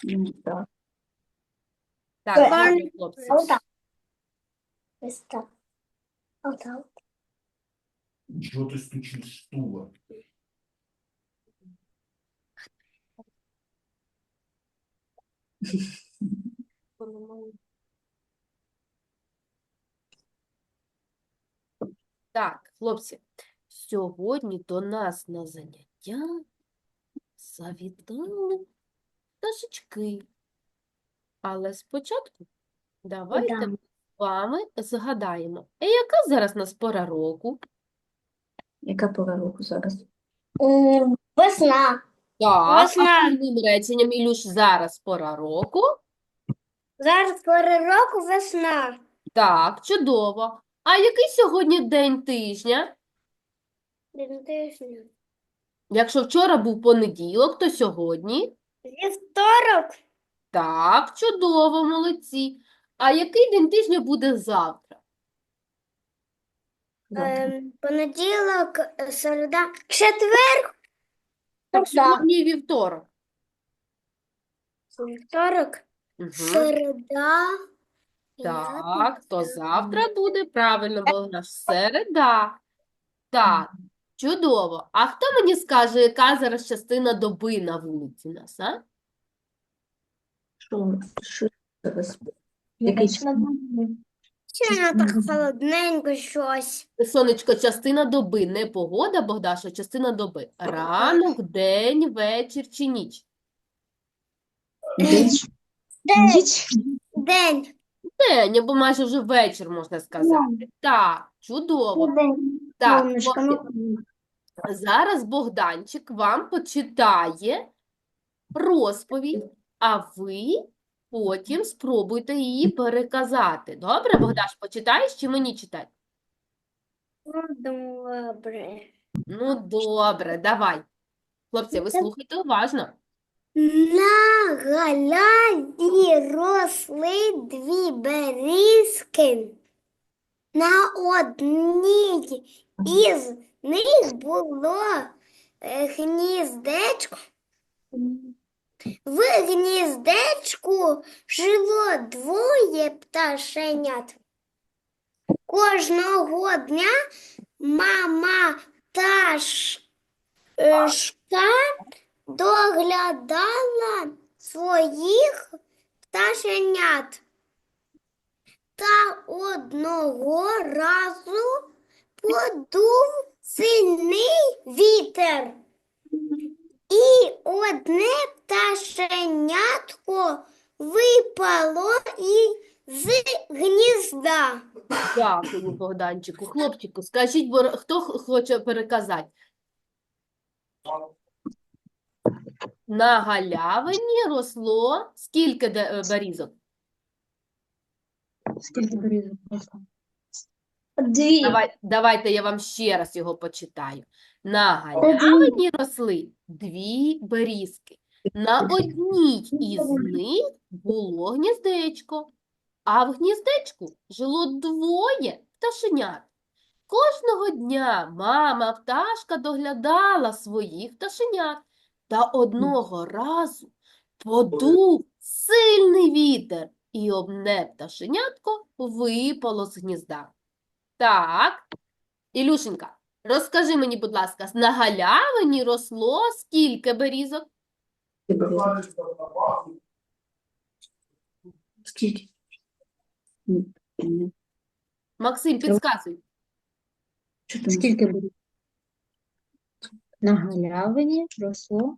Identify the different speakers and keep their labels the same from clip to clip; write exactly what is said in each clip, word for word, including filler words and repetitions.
Speaker 1: Ну, так.
Speaker 2: Так,
Speaker 3: Е,
Speaker 2: добре, хлопці.
Speaker 3: Отак. Ось так. Отак.
Speaker 4: Чего ты стучишь в стула?
Speaker 2: Так, хлопці, сьогодні до нас на заняття завітали пташечки. Але спочатку давайте
Speaker 3: Да.
Speaker 2: з вами згадаємо, а яка зараз у нас пора року?
Speaker 1: Яка пора року зараз?
Speaker 3: М, Весна.
Speaker 2: Так, а
Speaker 3: Весна.
Speaker 2: повним реченням, Ілюш, зараз пора року?
Speaker 3: Зараз пора року весна.
Speaker 2: Так, чудово. А який сьогодні день тижня?
Speaker 3: День тижня.
Speaker 2: Якщо вчора був понеділок, то сьогодні?
Speaker 3: Вівторок.
Speaker 2: Так, чудово, молодці. А який день тижня буде завтра?
Speaker 1: Завтра.
Speaker 3: ем, Понеділок, е, середа, четвер.
Speaker 2: Так
Speaker 3: Так.
Speaker 2: сьогодні вівторок.
Speaker 3: Вівторок,
Speaker 2: Угу.
Speaker 3: середа.
Speaker 2: Так, то завтра буде, правильно, бо наш середа. Так, чудово. А хто мені скаже, яка зараз частина доби на вулиці нас, а?
Speaker 1: Що, що зараз? Який час?
Speaker 3: Сьогодні так холодненько щось.
Speaker 2: Сонечко, частина доби, не погода, Богдаша, частина доби. Ранок, день, вечір чи ніч?
Speaker 1: День?
Speaker 3: День. День.
Speaker 2: День, або майже вже вечір, можна сказати. Так, чудово. Так,
Speaker 3: Сонечко,
Speaker 2: хлопці,
Speaker 3: ну,
Speaker 2: зараз Богданчик вам почитає розповідь, а ви потім спробуйте її переказати. Добре, Богдаш, почитаєш чи мені читати?
Speaker 3: ну, добре.
Speaker 2: Ну, добре, давай. Хлопці, ви слухайте уважно.
Speaker 3: На галяді росли дві берізки. На одній із них було е, гніздечко. В гніздечку жило двоє пташенят. Кожного дня мама пташка доглядала своїх пташенят. Та одного разу подув сильний вітер. І одне пташенятко випало із гнізда.
Speaker 2: Дякую, Богданчику. Хлопчику, скажіть, бо хто х- хоче переказати? На галявині росло скільки де- е, берізок?
Speaker 1: Скільки берізок?
Speaker 3: Дві.
Speaker 2: Давай, давайте я вам ще раз його почитаю. На галявині росли дві берізки. На одній із них було гніздечко, а в гніздечку жило двоє пташенят. Кожного дня мама пташка доглядала своїх пташенят, та одного разу подув сильний вітер, і одне пташенятко випало з гнізда. Так, Ілюшенька, розкажи мені, будь ласка, на галявині росло скільки берізок?
Speaker 1: Скільки берізок? Скільки? Ні, ні.
Speaker 2: Максим, підказуй.
Speaker 1: Що там?
Speaker 5: Скільки буде? На галявині росло.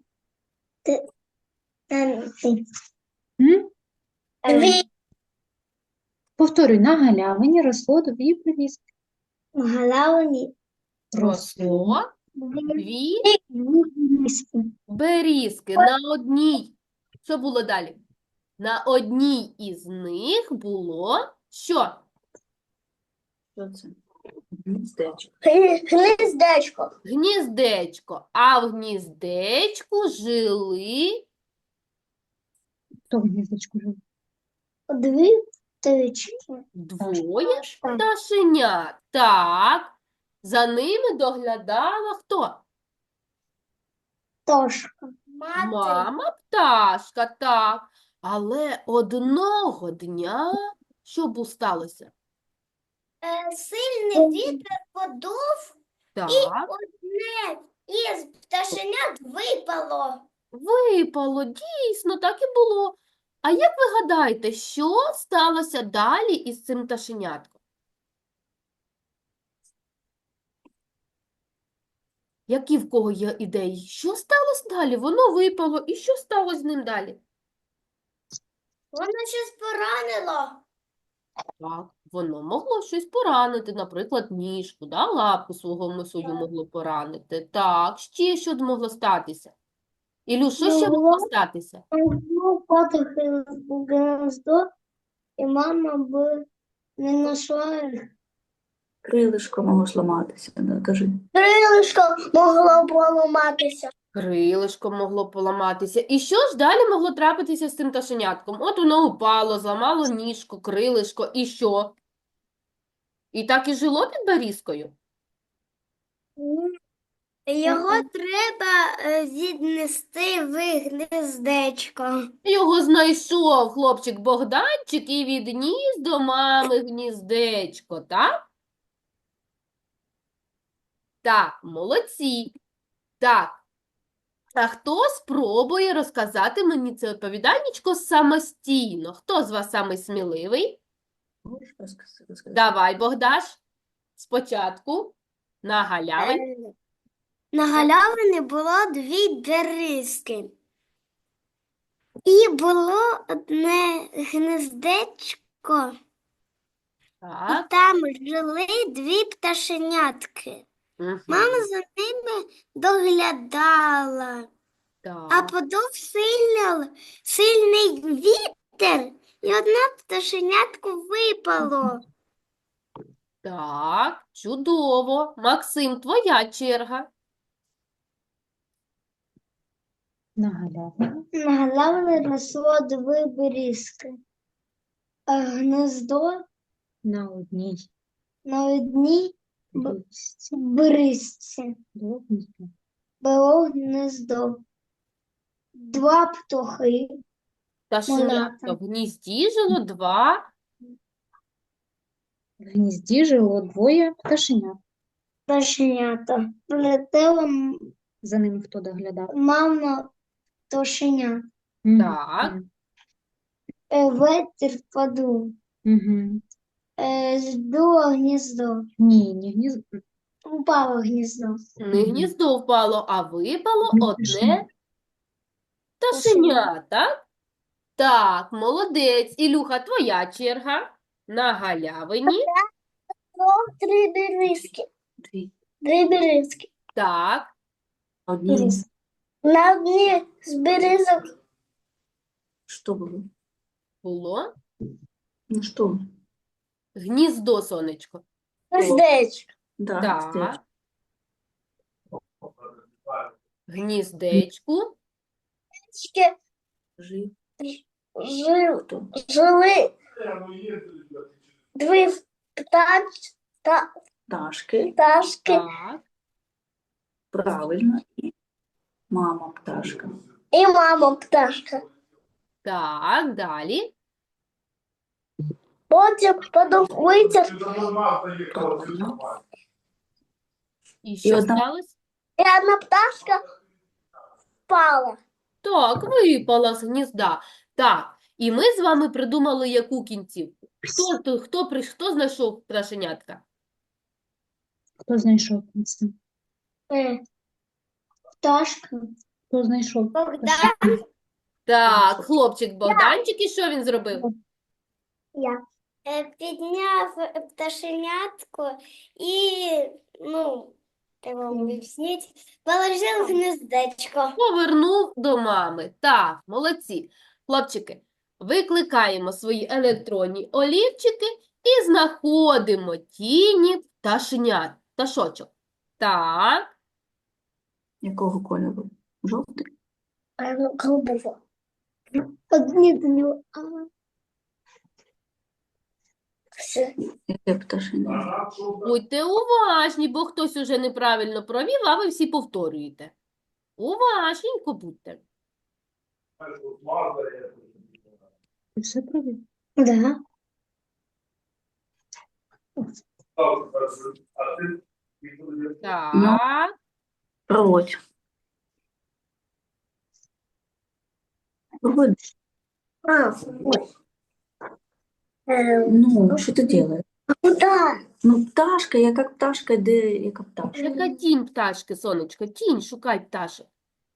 Speaker 5: М?
Speaker 3: Дві.
Speaker 5: Повторюй, на галявині росло дві берізки.
Speaker 3: В галявині
Speaker 2: Росло дві
Speaker 3: берізки.
Speaker 2: берізки на одній. Що було далі? На одній із них було що?
Speaker 1: Що це? Гніздечко.
Speaker 3: Гніздечко.
Speaker 2: Гніздечко. А в гніздечку жили
Speaker 5: Хто в гніздечку жив?
Speaker 3: Дві птички.
Speaker 2: двоє пташенят. Так. За ними доглядала хто?
Speaker 3: Тошка. Мати.
Speaker 2: Мама пташка, так. Але одного дня, що б сталося?
Speaker 3: Е, Сильний вітер подув,
Speaker 2: Так,
Speaker 3: одне із пташенят випало.
Speaker 2: випало, дійсно, так і було. А як ви гадаєте, що сталося далі із цим пташенятком? Які в кого є ідеї? Що сталося далі? Воно випало, і що сталося з ним далі?
Speaker 3: Воно щось поранило.
Speaker 2: Так, воно могло щось поранити, наприклад, ніжку, да? Лапку свого м- свою могло поранити. Так, ще що могло статися? Ілюш, що ще могло статися?
Speaker 3: Могло впати в гнездо, і мама би не знайшла їх.
Speaker 1: Крилишко могло зламатися, да, кажи.
Speaker 3: Крилишко могло поламатися.
Speaker 2: Крилишко могло поламатися. І що ж далі могло трапитися з цим пташенятком? От воно упало, зламало ніжку, крилишко, і що? І так і жило під берізкою?
Speaker 3: Його треба е, віднести в гнездечко.
Speaker 2: Його знайшов хлопчик Богданчик і відніс до мами гніздечко, так? Так, молодці. Так. А хто спробує розказати мені це оповіданнячко самостійно? Хто з вас самий сміливий?
Speaker 1: Можеш розказати? розказати?
Speaker 2: Давай, Богдаш, спочатку на галявині.
Speaker 3: Е, На галявині було дві берізки. І було одне гнездечко,
Speaker 2: Так.
Speaker 3: і там жили дві пташенятки.
Speaker 2: Мгм.
Speaker 3: Мама за ними доглядала, а
Speaker 2: Так.
Speaker 3: подув сильно, сильний вітер, і одне пташенятко випало.
Speaker 2: Так, чудово. Максим, твоя черга.
Speaker 5: На галявині.
Speaker 3: На галявині росло дві берізки, а гнездо
Speaker 5: На одній
Speaker 3: на одній
Speaker 5: берізці
Speaker 3: берізці
Speaker 5: було гніздо.
Speaker 3: було гнездо. Два птахи,
Speaker 2: Пташенятка
Speaker 3: Малята.
Speaker 2: в гнізді жило два.
Speaker 5: В гнізді жило двоє пташенят.
Speaker 3: пташенята. Прилетіла м-
Speaker 5: За ними хто доглядав?
Speaker 3: мама пташенят.
Speaker 5: Мгм.
Speaker 2: Так.
Speaker 3: Е, Ветер подув,
Speaker 5: Мгм.
Speaker 3: е, здуло гніздо,
Speaker 5: Ні, не гніздо.
Speaker 3: упало гніздо.
Speaker 2: Не
Speaker 5: Мгм.
Speaker 2: гніздо впало, а випало
Speaker 5: Одне
Speaker 2: одне
Speaker 5: пташеня.
Speaker 2: пташеня, так? Так, молодець. Ілюха, твоя черга. На галявині.
Speaker 3: Три берізки.
Speaker 1: Дві.
Speaker 3: Три берізки.
Speaker 2: Так.
Speaker 1: Одні.
Speaker 3: На одній з берізок
Speaker 1: Що було?
Speaker 2: Було
Speaker 1: Ну що?
Speaker 2: гніздо, сонечко.
Speaker 3: гнездечко.
Speaker 1: Да,
Speaker 2: Так.
Speaker 1: стеж.
Speaker 2: Гніздечку.
Speaker 1: Жив.
Speaker 3: Жив,
Speaker 1: Хто?
Speaker 3: жили дві птач, та,
Speaker 1: Пташки.
Speaker 3: пташки
Speaker 2: Так.
Speaker 1: Правильно. І мама пташка.
Speaker 3: і мама пташка.
Speaker 2: Так, далі.
Speaker 3: Потім подув вітер,
Speaker 1: Правильно.
Speaker 2: І що
Speaker 1: одна-
Speaker 2: сталося?
Speaker 3: і одна пташка впала.
Speaker 2: Так, випала з гнізда. Так, і ми з вами придумали яку кінцівку? Хто, хто, хто, приш- хто знайшов пташенятка?
Speaker 5: Хто знайшов це?
Speaker 3: Е, Пташка.
Speaker 5: Хто знайшов?
Speaker 3: Богдан.
Speaker 2: Так, хлопчик Богданчик, і що він зробив?
Speaker 3: Я. Е, Підняв пташенятку і, ну, як вам об'яснити, положив в гнездечко.
Speaker 2: Повернув до мами. Так, молодці. Хлопчики, викликаємо свої електронні олівчики і знаходимо тіні пташенят. Пташочок. Так,
Speaker 1: Якого кольору? Жовтий?
Speaker 3: Голубого. Одні дві. а. Все.
Speaker 1: Яке пташеня?
Speaker 2: будьте уважні, бо хтось уже неправильно провів, а ви всі повторюєте. Уважненько будьте.
Speaker 5: Ти все провів?
Speaker 3: Да.
Speaker 2: Так,
Speaker 1: Проводь. Проводь.
Speaker 3: А,
Speaker 1: Ну, что ты делаешь?
Speaker 3: куда?
Speaker 1: Ну, пташка, я как пташка, де яка пташка.
Speaker 2: яка тінь пташки, сонечко? Тінь, шукай пташок.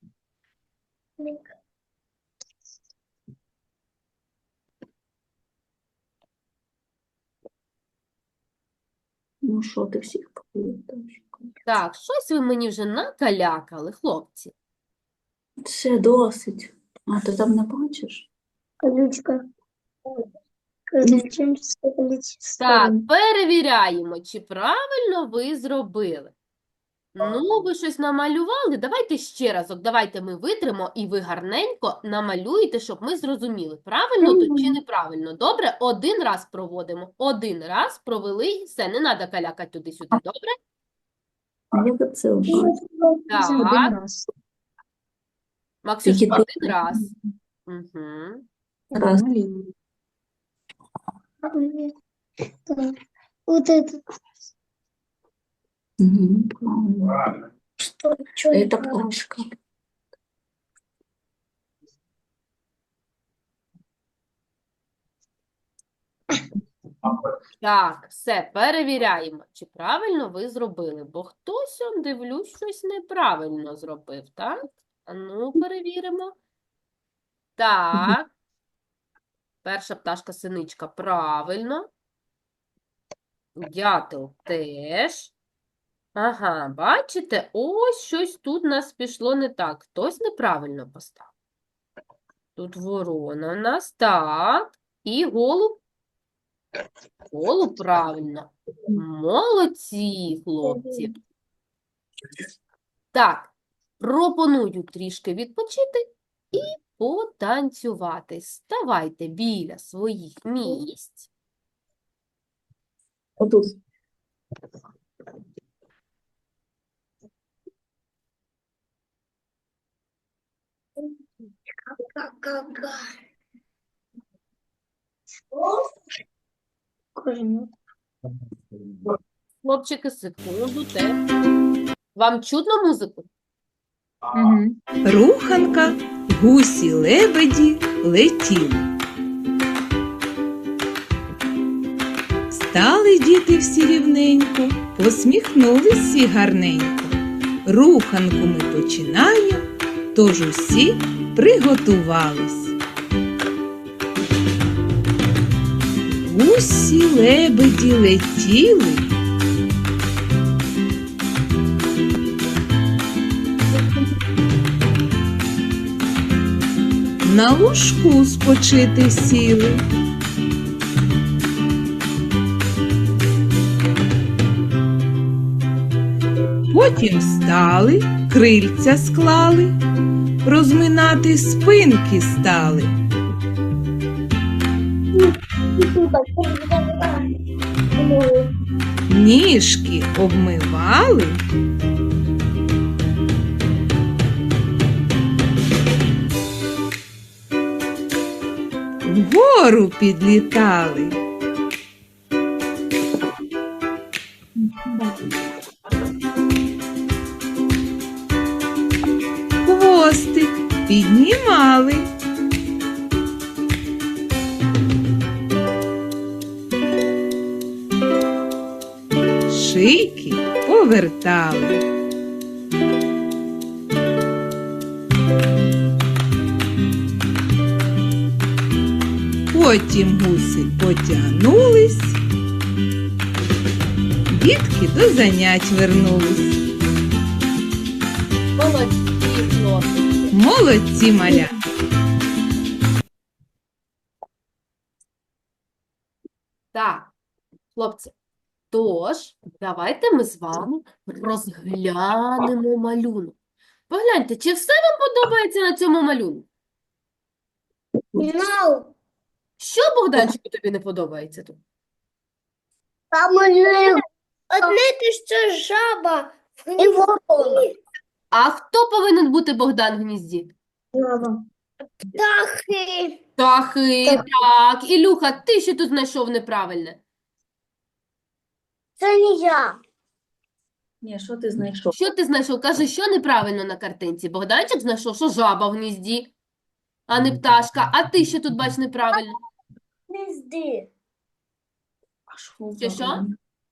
Speaker 1: Ну, що ти всіх повідомиш?
Speaker 2: Так, щось ви мені вже накалякали, хлопці.
Speaker 1: Все, досить. А ти там не бачиш?
Speaker 3: Колючка. Колючимся, количество.
Speaker 2: Так, перевіряємо, чи правильно ви зробили. Ну, ви щось намалювали? Давайте ще разок, давайте ми витримо, і ви гарненько намалюєте, щоб ми зрозуміли, правильно тут чи неправильно. Добре? Один раз проводимо. Один раз провели, і все, не треба калякати туди-сюди, добре?
Speaker 1: Як це бачиш?
Speaker 5: Це один
Speaker 2: Так,
Speaker 5: раз.
Speaker 2: Максюш,
Speaker 1: Тільки ти-
Speaker 2: один раз. Угу.
Speaker 1: Раз.
Speaker 5: Малюємо.
Speaker 3: Так. Вот это.
Speaker 1: Угу, правильно.
Speaker 3: Что? Что
Speaker 1: Это пташка.
Speaker 2: Так, все, перевіряємо, чи правильно ви зробили, бо хтось, он, дивлюсь, щось неправильно зробив, так? А ну, перевіримо. Так. Перша пташка-синичка правильно. Дятел теж. Ага, бачите, ось щось тут у нас пішло не так. Хтось неправильно поставив. Тут ворона у нас, так. І голуб. Голуб правильно. Молодці, хлопці. Так, пропоную трішки відпочити і потанцювати. Ставайте біля своїх місць.
Speaker 1: Отут.
Speaker 3: Кожаный.
Speaker 2: Хлопчики, секунду, те. Вам чутно музику?
Speaker 5: Угу.
Speaker 6: Руханка, гусі, лебеді летіли. Стали діти всі рівненько, посміхнулись всі гарненько. Руханку ми починаємо, тож усі приготувались. Гусі, лебеді летіли. На лужку спочити сіли. Потім встали, крильця склали, розминати спинки стали. Ніжки обмивали. Вгору підлітали. Хвостик піднімали. Шийки повертали. Потім гуси потягнулись, дітки до занять вернулись.
Speaker 2: Молодці, хлопці.
Speaker 6: Молодці, маля!
Speaker 2: Так, хлопці, тож, давайте ми з вами розглянемо малюнок. Погляньте, чи все вам подобається на цьому малюнку?
Speaker 3: No.
Speaker 2: Що, Богданчику, тобі не подобається тут?
Speaker 3: Там одне те, що жаба і ворона.
Speaker 2: А хто повинен бути Богдан в гнізді?
Speaker 3: Жаба. Птахи.
Speaker 2: Птахи, так. Ілюха, ти що тут знайшов неправильне?
Speaker 3: Це не я.
Speaker 1: Ні, що ти знайшов?
Speaker 2: Що ти знайшов? Кажи, що неправильно на картинці? Богданчик знайшов, що жаба в гнізді, а не пташка. А ти що тут бачиш неправильно?
Speaker 3: Гнізди.
Speaker 1: А що
Speaker 2: Що,
Speaker 1: за
Speaker 2: що?
Speaker 1: ворона?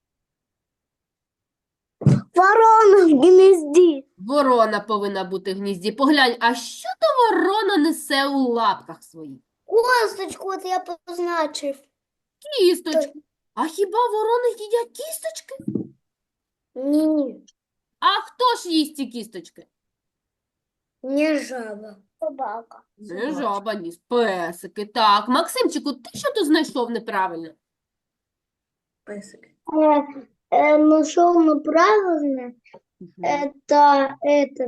Speaker 3: Ворона в гнізді.
Speaker 2: Ворона повинна бути в гнізді. Поглянь, а що то ворона несе у лапках своїх?
Speaker 3: Косточку от я позначив.
Speaker 2: Кісточки. А хіба ворони їдять кісточки?
Speaker 3: Ні,
Speaker 2: А хто ж їсть ці кісточки?
Speaker 3: не жаба. Собака.
Speaker 2: Не жаба, ні, песики. Так, Максимчику, ти що тут знайшов неправильно?
Speaker 1: Песик.
Speaker 3: Э, э, нашел на правильно.
Speaker 2: Мгм.
Speaker 3: Это этот.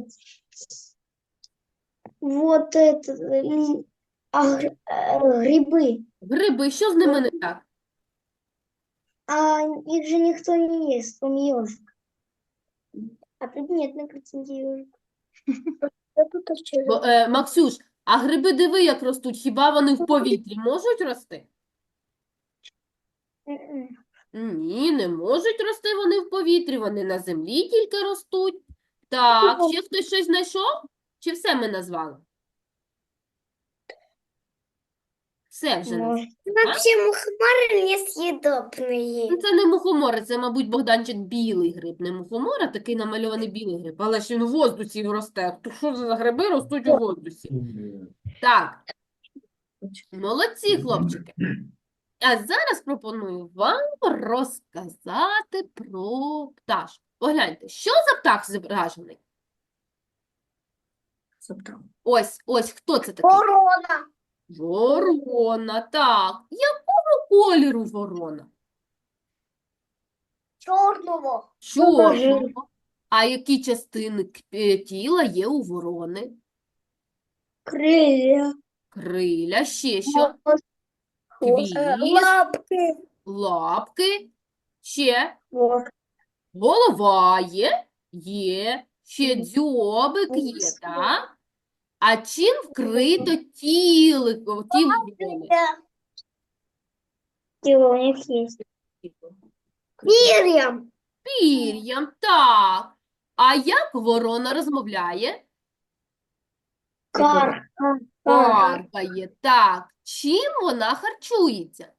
Speaker 3: Вот этот. м, а, гр- э, грибы.
Speaker 2: Гриби, що з ними не так?
Speaker 3: А их же никто не ест, он ежик. А тут нет на картинке ежик. Тут
Speaker 2: Бо, е, Максюш, а гриби диви, як ростуть. Хіба вони в повітрі можуть рости? Ні, не можуть рости вони в повітрі, вони на землі тільки ростуть. Так, ще хтось щось знайшов? Чи все ми назвали? Все вже назвали.
Speaker 3: Вообще мухоморы несъедобные.
Speaker 2: Ну, це не мухомор, це, мабуть, Богданчик білий гриб. Не мухомор, а такий намальований білий гриб. Але ж він в воздусі росте. То що за гриби ростуть у воздусі? Так, молодці, хлопчики. А зараз пропоную вам розказати про пташку. Погляньте, що за птах зображений?
Speaker 1: Запитав.
Speaker 2: Ось, ось, хто це такий?
Speaker 3: Ворона.
Speaker 2: Ворона, так. Якого кольору ворона?
Speaker 3: Черного.
Speaker 2: Чорного. А які частини к- е, тіла є у ворони?
Speaker 3: Крылья.
Speaker 2: Крилля, ще що?
Speaker 3: Э,
Speaker 2: Хвіст,
Speaker 3: Лапки.
Speaker 2: лапки, ще
Speaker 3: Вот.
Speaker 2: голова є, є, ще дзьобик є, так? А чим вкрито тіло, тіло ворони?
Speaker 3: Тело у них есть. Перьям.
Speaker 2: Пір'ям, так. А як ворона розмовляє?
Speaker 3: Кар.
Speaker 2: Каркає, так. Чим вона харчується?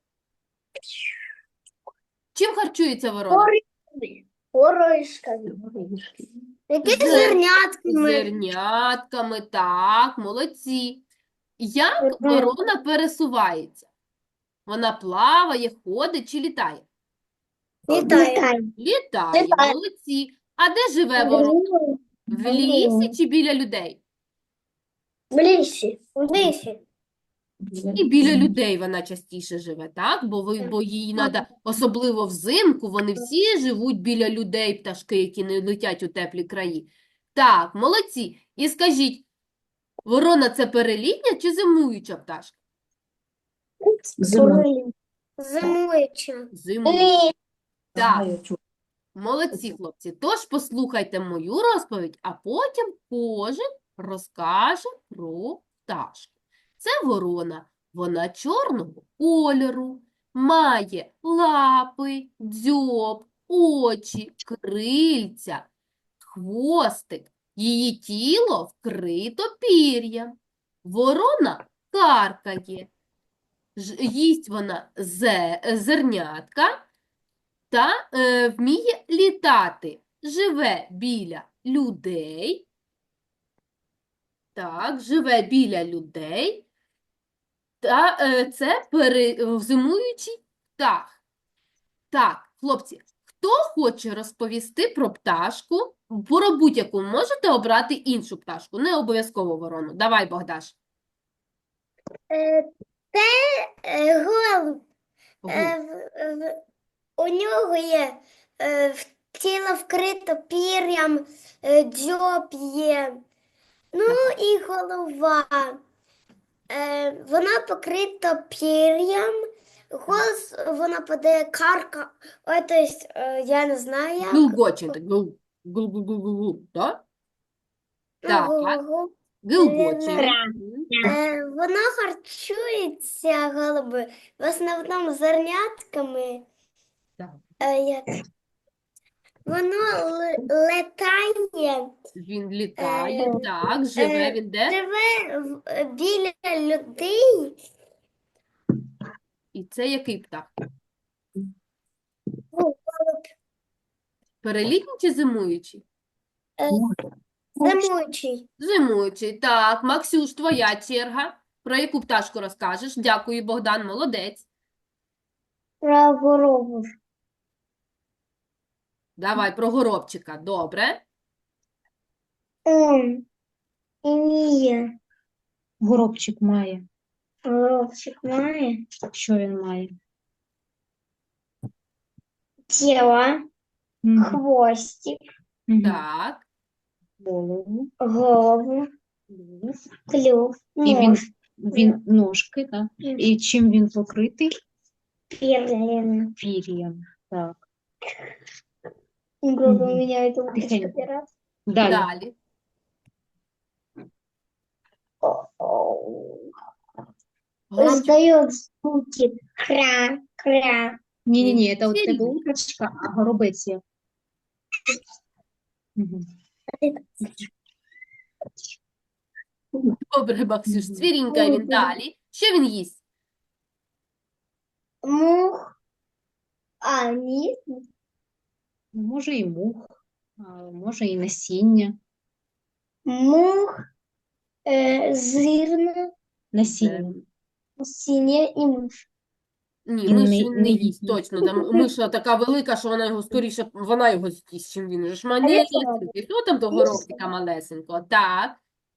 Speaker 2: Чим харчується ворона?
Speaker 3: Орышками.
Speaker 1: Горішки.
Speaker 3: Які
Speaker 2: Зер-
Speaker 3: зернятками.
Speaker 2: Зернятками, так, молодці. Як
Speaker 3: Мгм.
Speaker 2: ворона пересувається? Вона плаває, ходить чи літає?
Speaker 3: Літає.
Speaker 2: Літає,
Speaker 3: Літає.
Speaker 2: молодці. А де живе ворона? В лісі чи біля людей?
Speaker 3: В лісі. В лісі.
Speaker 2: І біля людей вона частіше живе, так? Бо, ви, бо їй треба, особливо взимку, вони всі живуть біля людей, пташки, які не летять у теплі краї. Так, молодці. І скажіть, ворона – це перелітня чи зимуюча пташка?
Speaker 1: Зима.
Speaker 3: Зимуюча.
Speaker 2: Зимуюча. Так,
Speaker 1: Ага, я чула.
Speaker 2: молодці, хлопці. Тож послухайте мою розповідь, а потім кожен розкаже про пташку. Це ворона. Вона чорного кольору, має лапи, дзьоб, очі, крильця, хвостик. Її тіло вкрито пір'ям. Ворона каркає. Ж- Їсть вона зе- зернятка та е, вміє літати. Живе біля людей. Так, живе біля людей. Та е, це пере, е, зимуючий птах. Так, хлопці, хто хоче розповісти про пташку, про будь-яку можете обрати іншу пташку, не обов'язково ворону. Давай, Богдаш.
Speaker 3: Е, Це е, голуб.
Speaker 2: Гу.
Speaker 3: Е, в- в- У нього є е, в- тіло вкрито пір'ям, е, дзьоб є, ну і голова. Е, Вона покрита пір'ям, голос вона подає карка, ой, то есть, е, я не знаю як.
Speaker 2: Гулгоче, так, гул, гул, гул, гул, гул, гул, да?
Speaker 3: Ну,
Speaker 2: Так,
Speaker 3: гу-гу-гу.
Speaker 2: Гилгоче.
Speaker 3: Кра.
Speaker 2: Мгм.
Speaker 3: Е, Воно харчується, голуби, в основному зернятками.
Speaker 2: Так.
Speaker 3: Е, як? Воно л- летає,
Speaker 2: Він літає,
Speaker 3: Е,
Speaker 2: так, живе
Speaker 3: е,
Speaker 2: він де?
Speaker 3: живе в- е, біля людей.
Speaker 2: І це який птах?
Speaker 3: Ну,
Speaker 2: Перелітній чи зимуючий?
Speaker 3: е, Зимуючий.
Speaker 2: Зимуючий, так. Максюш, твоя черга. Про яку пташку розкажеш? Дякую, Богдан, молодець.
Speaker 3: Про воробу.
Speaker 2: Давай, про горобчика, добре.
Speaker 3: Он ім'я.
Speaker 5: Горобчик має.
Speaker 3: Воробчик має
Speaker 5: Що він має?
Speaker 3: тіло,
Speaker 5: Мгм.
Speaker 3: хвостик,
Speaker 5: Мгм.
Speaker 2: Так,
Speaker 5: Голову.
Speaker 3: голову,
Speaker 5: Клюв.
Speaker 3: клюв,
Speaker 5: І він,
Speaker 3: нож,
Speaker 5: він ножки, так? І чим він покритий?
Speaker 3: пірлина.
Speaker 5: Пір'ям. Так.
Speaker 3: Грубо
Speaker 5: Мгм.
Speaker 3: меня это уточка
Speaker 5: Тихенько.
Speaker 3: пират.
Speaker 5: Далі.
Speaker 2: далі. Горобчик
Speaker 3: Издает звуки кра, кра.
Speaker 5: Ні-ні-ні, це от
Speaker 2: Всі
Speaker 5: тебе
Speaker 2: рівні.
Speaker 5: уточка, а горобець є. Мгм.
Speaker 2: Добре, Максюш,
Speaker 5: Мгм.
Speaker 2: цвірінькає він
Speaker 3: Ой,
Speaker 2: далі. Що він їсть?
Speaker 3: Мух. А, ні.
Speaker 5: Може і мух, а може і насіння.
Speaker 3: Мух. Э, зырно.
Speaker 5: Насіння.
Speaker 3: Синяя и мышь.
Speaker 2: Ні,
Speaker 5: І
Speaker 2: миш
Speaker 5: не-
Speaker 2: він
Speaker 5: не
Speaker 2: не їсть,
Speaker 5: їсть.
Speaker 2: точно. Там миша така велика, що вона його скоріше, вона його з'їсть, чим він. Же ж малесенький. Що там до горобчика малесенького? Так.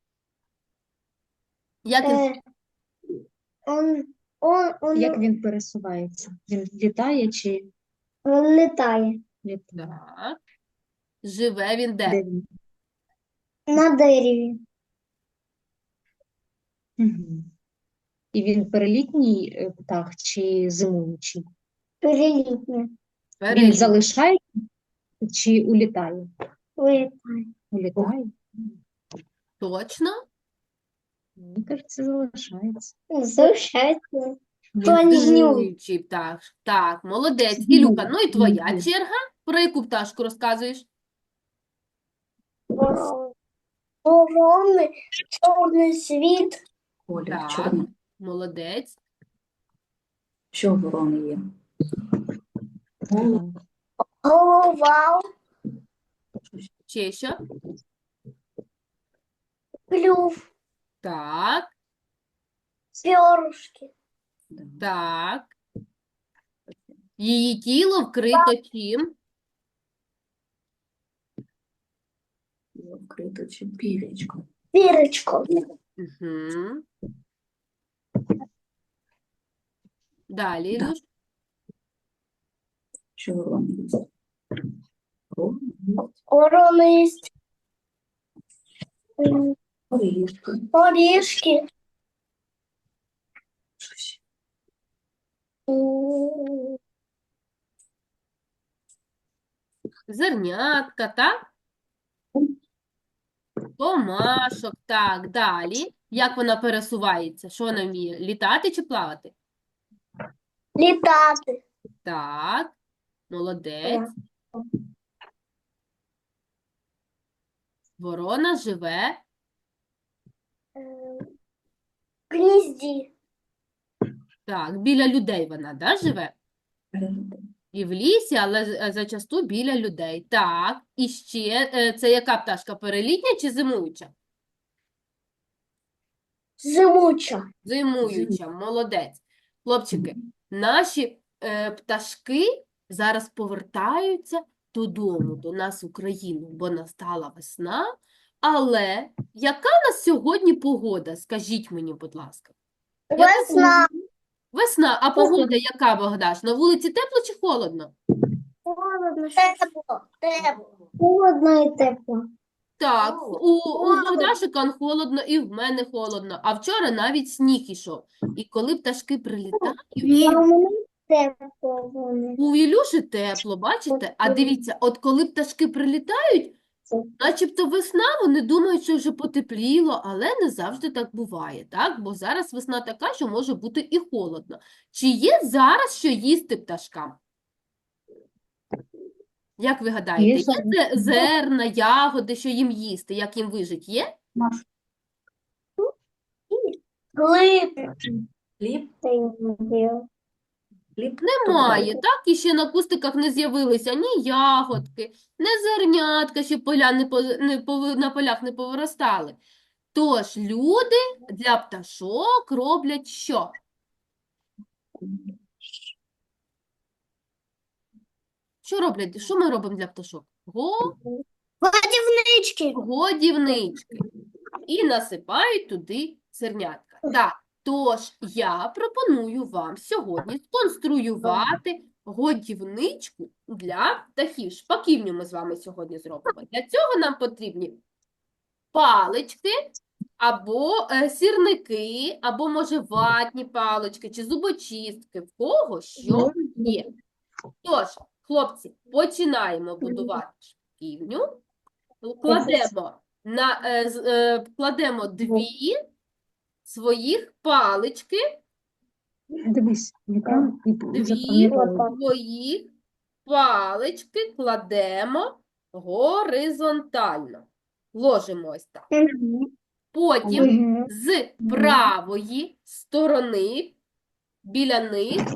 Speaker 2: Як він
Speaker 3: Э, он, он, он,
Speaker 5: Як він пересувається? Він літає чи
Speaker 3: он летает
Speaker 5: літає?
Speaker 2: Так. Живе він
Speaker 5: Де
Speaker 2: де?
Speaker 5: він?
Speaker 3: на дереве.
Speaker 5: Мгм. І він перелітній е, птах чи зимуючий?
Speaker 3: Перелетный.
Speaker 5: Він
Speaker 2: Переліт.
Speaker 5: залишається чи улітає?
Speaker 3: Летает.
Speaker 5: Улітає?
Speaker 2: Точно?
Speaker 5: Мені кажеться, залишається.
Speaker 3: Слушайте.
Speaker 2: Він
Speaker 3: Плані жню.
Speaker 2: зимуючий птах. Так, молодець. Ілюка, ну і твоя
Speaker 5: Мгм.
Speaker 2: черга. Про яку пташку розказуєш?
Speaker 3: Вороны, черный світ,
Speaker 1: Колір
Speaker 2: Так.
Speaker 1: чорний.
Speaker 2: Молодець.
Speaker 1: Що ворони є?
Speaker 5: Ага.
Speaker 3: голова,
Speaker 2: Ще що?
Speaker 3: клюв,
Speaker 2: Так,
Speaker 3: перышки,
Speaker 1: Да.
Speaker 2: так. Її тіло вкрито чим?
Speaker 1: Вкрито чи пірячко.
Speaker 3: пірочку,
Speaker 2: Угу. Далі,
Speaker 1: Да.
Speaker 2: Ілюш.
Speaker 1: Що ворони є? Ворони є.
Speaker 3: ворони есть, м,
Speaker 1: Орішки.
Speaker 3: орешки,
Speaker 1: Що ще?
Speaker 3: м,
Speaker 2: Зернятка, так? Комашок, так, далі. Як вона пересувається? Що вона вміє? Літати чи плавати?
Speaker 3: літати,
Speaker 2: Так, молодець. Ворона живе.
Speaker 3: е, в гнізді,
Speaker 2: Так, біля людей вона, да, живе?
Speaker 1: Переліти.
Speaker 2: І в лісі, але з- е, зачасту біля людей. Так, і ще, е, це яка пташка, перелітня чи зимуюча?
Speaker 3: зимуча,
Speaker 2: Зимуюча, молодець. Хлопчики, наші е, пташки зараз повертаються додому, до нас в Україну, бо настала весна. Але яка у нас сьогодні погода? Скажіть мені, будь ласка. Яка
Speaker 3: весна,
Speaker 2: Весна, а погода яка, Богдаш? На вулиці тепло чи холодно?
Speaker 3: холодно, тепло, тепло, холодно і тепло.
Speaker 2: Так, у, у Богдашика он холодно, і в мене холодно. А вчора навіть сніг ішов. І коли пташки прилітають,
Speaker 3: А у мене тепло вони.
Speaker 2: у Ілюші тепло, бачите? А дивіться, от коли пташки прилітають, Начебто весна, вони думають, що вже потепліло, але не завжди так буває, так? Бо зараз весна така, що може бути і холодно. Чи є зараз що їсти пташкам? Як ви гадаєте,
Speaker 5: Є
Speaker 2: є зе- зерна, ягоди, що їм їсти, як їм вижить? Є?
Speaker 1: Маш,
Speaker 3: Хліб.
Speaker 1: хліб, хліб.
Speaker 2: Немає, так? І ще на кустиках не з'явилися ні ягодки, ні зернятка, щоб поля не по, не пов- на полях не повиростали. Тож люди для пташок роблять що? Що роблять? Що ми робимо для пташок? Го,
Speaker 3: Годівнички.
Speaker 2: годівнички. І насипають туди зернятка. Так, тож я пропоную вам сьогодні сконструювати годівничку для птахів. Шпаківню ми з вами сьогодні зробимо. Для цього нам потрібні палички або е, сірники, або, може, ватні палички чи зубочистки. В кого що є. Тож, хлопці, починаємо будувати шпаківню. Кладемо, на, е, з- е, кладемо дві своїх палички,
Speaker 5: Дивись в екран і
Speaker 2: дві
Speaker 5: запам'ятай.
Speaker 2: своїх палички кладемо горизонтально. Ложимо ось так. Потім з правої сторони біля них